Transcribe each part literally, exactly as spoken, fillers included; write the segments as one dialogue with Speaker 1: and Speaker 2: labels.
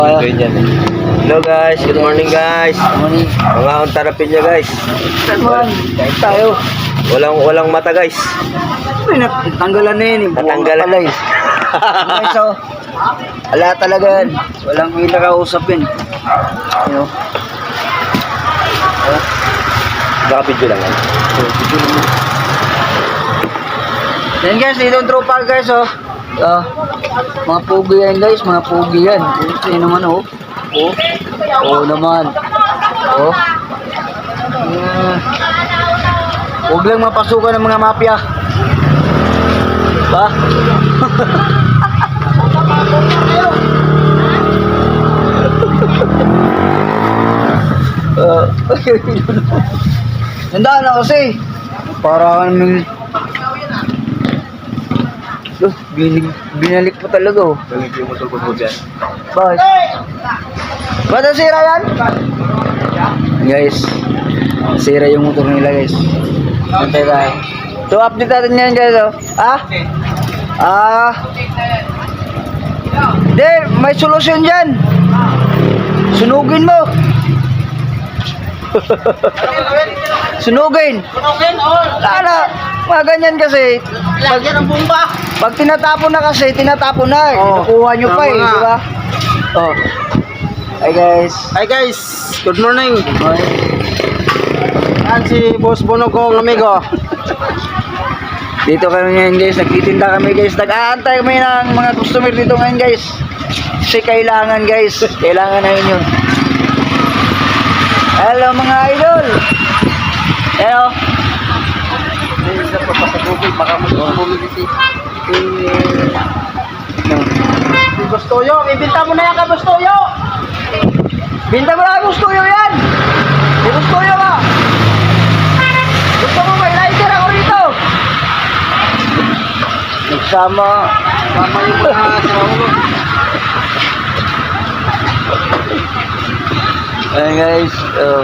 Speaker 1: Ganyan eh. Hello guys, good morning guys.
Speaker 2: Morning.
Speaker 1: Mga akong tarapin niya guys.
Speaker 2: Man, kahit tayo.
Speaker 1: Walang walang mata guys.
Speaker 2: Uy, natanggalan na yun.
Speaker 1: Natanggalan.
Speaker 2: Pala eh. Okay, so, wala talaga yan. Walang may nakausap yun. You know? Oh,
Speaker 1: Baka video lang yan.
Speaker 2: so, video naman. Yan guys, dito yung tropa guys, oh. Ah, mga pugi yan guys, mga pugi yan. Ito yun naman, oh. Oh, oh naman. Oh. Uh, huwag lang mapasukan ng mga mafia. Ba? Uh, Nandaan na kasi. Para kaming Loh, binig, binalik mo talaga oh.
Speaker 1: Balik yung motor ko po dyan.
Speaker 2: Bakit? Ba't ang sira yan? Guys, sira yung motor nila guys. Antay tayo. So update natin yan guys oh. Ah? Ah? Hindi, may solusyon dyan. Sunugin mo. Sunugin.
Speaker 3: Sunugin, oh.
Speaker 2: Lala, mga ganyan kasi. Pag,
Speaker 3: Lagyan ng bomba.
Speaker 2: pag tinatapon na kasi, tinatapon na.
Speaker 3: Oh,
Speaker 2: Kinukuha nyo pa eh,
Speaker 3: tama nga.
Speaker 2: di ba? Oh. Hi guys.
Speaker 3: Hi guys, good morning.
Speaker 2: Hi.
Speaker 3: Yan si Boss Bono kong amigo.
Speaker 2: Dito kami ngayon guys, nagtitinda kami guys. Nag-aantay kami ng mga customer dito ngayon guys. Kasi kailangan guys, kailangan namin yun. Hello mga idol. Hello.
Speaker 3: Baka mo bumili si Gustoyo, ibinta mo na yan ka Gustoyo.
Speaker 2: Binta mo na gusto yun yan. Gusto yun ka. Gusto mo may lighter ako rito. Nagsama.
Speaker 3: Tama yung mga sinawa.
Speaker 2: Ayan guys, uh,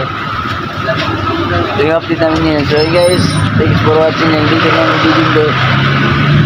Speaker 2: ito yung update namin ngayon. So guys, thanks for watching. Hindi ko lang video.